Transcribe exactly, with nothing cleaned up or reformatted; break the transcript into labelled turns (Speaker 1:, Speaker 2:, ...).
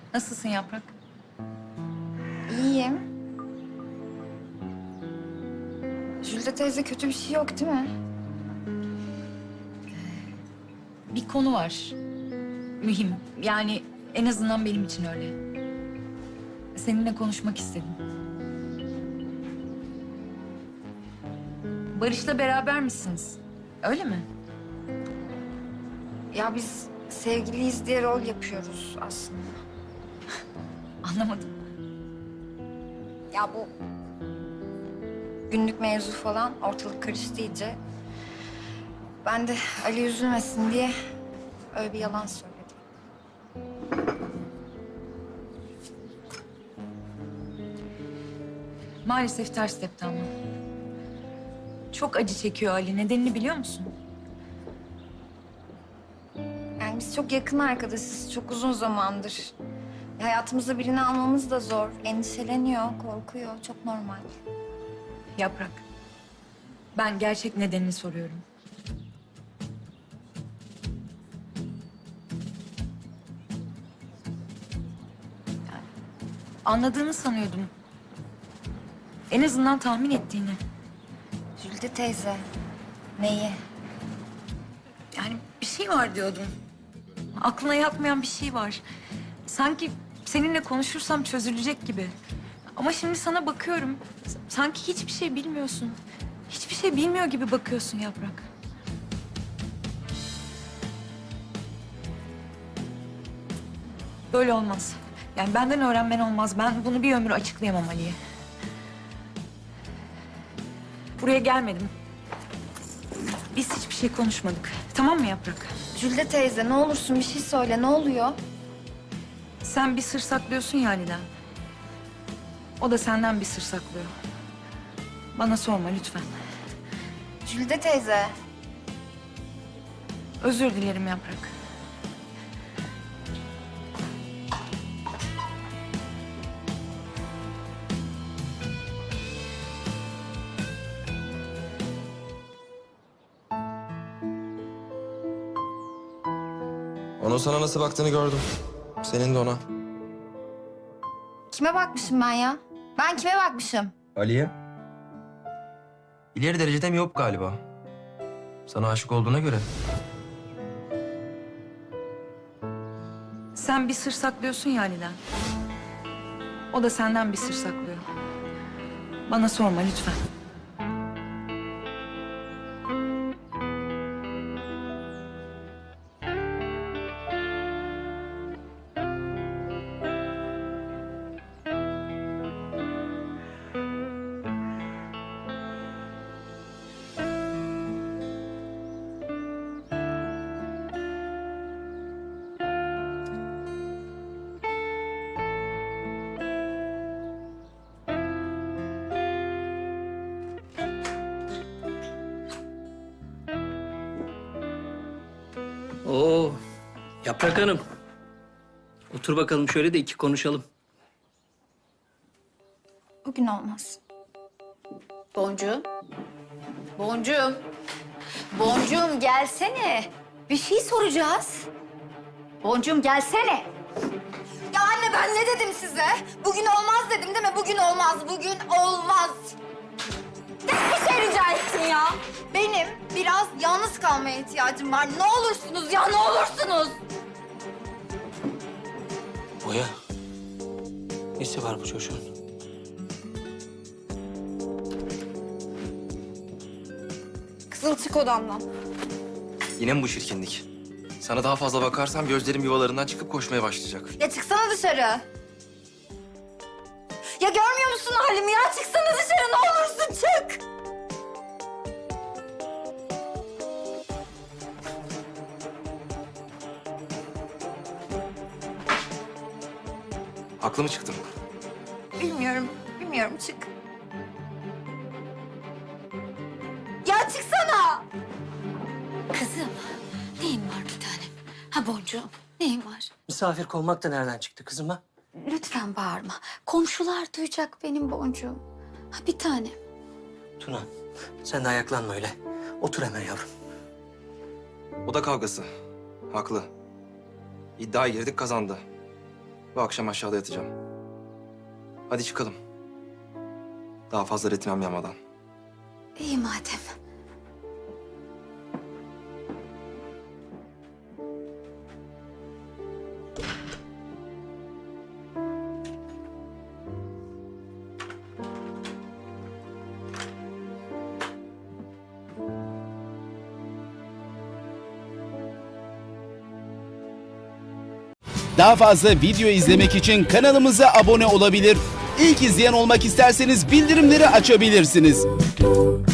Speaker 1: Nasılsın Yaprak?
Speaker 2: İyiyim. Jülde teyze kötü bir şey yok değil mi?
Speaker 1: Bir konu var. Mühim. Yani en azından benim için öyle. Seninle konuşmak istedim. Barış'la beraber misiniz? Öyle mi?
Speaker 2: Ya biz sevgiliyiz diye rol yapıyoruz aslında.
Speaker 1: Anlamadım.
Speaker 2: Ya bu günlük mevzu falan ortalık karıştı iyice. Ben de Ali üzülmesin diye öyle bir yalan söyledim.
Speaker 1: Maalesef ters tepti ama. Çok acı çekiyor Ali. Nedenini biliyor musun?
Speaker 2: Yani biz çok yakın arkadaşız, çok uzun zamandır. Hayatımıza birini almamız da zor. Endişeleniyor, korkuyor. Çok normal.
Speaker 1: Yaprak. Ben gerçek nedenini soruyorum. Yani anladığını sanıyordum. En azından tahmin ettiğini.
Speaker 2: Jülde teyze, neyi?
Speaker 1: Yani bir şey var diyordum. Aklına yatmayan bir şey var. Sanki seninle konuşursam çözülecek gibi. Ama şimdi sana bakıyorum. s- Sanki hiçbir şey bilmiyorsun. Hiçbir şey bilmiyor gibi bakıyorsun Yaprak. Böyle olmaz. Yani benden öğrenmen olmaz. Ben bunu bir ömür açıklayamam Ali'ye. Buraya gelmedim. Biz hiçbir şey konuşmadık. Tamam mı Yaprak?
Speaker 2: Jülde teyze ne olursun bir şey söyle, ne oluyor?
Speaker 1: Sen bir sır saklıyorsun ya Ali'den. O da senden bir sır saklıyor. Bana sorma lütfen.
Speaker 2: Jülde teyze.
Speaker 1: Özür dilerim Yaprak.
Speaker 3: Onun sana nasıl baktığını gördüm. Senin de ona.
Speaker 2: Kime bakmışım ben ya? Ben kime bakmışım?
Speaker 3: Ali'ye? İleri derecede miyop galiba. Sana aşık olduğuna göre.
Speaker 1: Sen bir sır saklıyorsun ya Ali'den. O da senden bir sır saklıyor. Bana sorma lütfen.
Speaker 4: Oo, Yaprak Hanım. Otur bakalım şöyle de iki konuşalım.
Speaker 2: Bugün olmaz.
Speaker 5: Boncuğum. Boncuğum. Boncuğum gelsene. Bir şey soracağız. Boncuğum gelsene.
Speaker 2: Ya anne ben ne dedim size? Bugün olmaz dedim değil mi? Bugün olmaz, bugün olmaz. Tek bir şey rica ettim ya. Benim biraz yalnız kalmaya ihtiyacım var. Ne olursunuz ya, ne olursunuz.
Speaker 4: Oya. Nesi var bu çocuğun?
Speaker 2: Kızıl çık odamdan.
Speaker 3: Yine mi bu çirkinlik? Sana daha fazla bakarsam gözlerim yuvalarından çıkıp koşmaya başlayacak.
Speaker 2: Ya çıksana dışarı. Ya görmüyor musun halimi ya? Çıksana dışarı ne olursun çık.
Speaker 3: Haklı mı çıktım?
Speaker 2: Bilmiyorum, bilmiyorum çık. Ya çıksana.
Speaker 5: Kızım, neyin var bir tanem? Ha boncuğum, neyin var?
Speaker 4: Misafir kovmak da nereden çıktı kızım ha?
Speaker 5: Lütfen bağırma. Komşular duyacak benim boncuğum. Ha bir tanem.
Speaker 4: Tuna, sen de ayaklanma öyle. Otur hemen yavrum.
Speaker 3: O da kavgası. Haklı. İddiaya girdik kazandı. Bu akşam aşağıda yatacağım. Hadi çıkalım. Daha fazla retimem yanmadan.
Speaker 5: İyi madem.
Speaker 6: Daha fazla video izlemek için kanalımıza abone olabilir. İlk izleyen olmak isterseniz bildirimleri açabilirsiniz.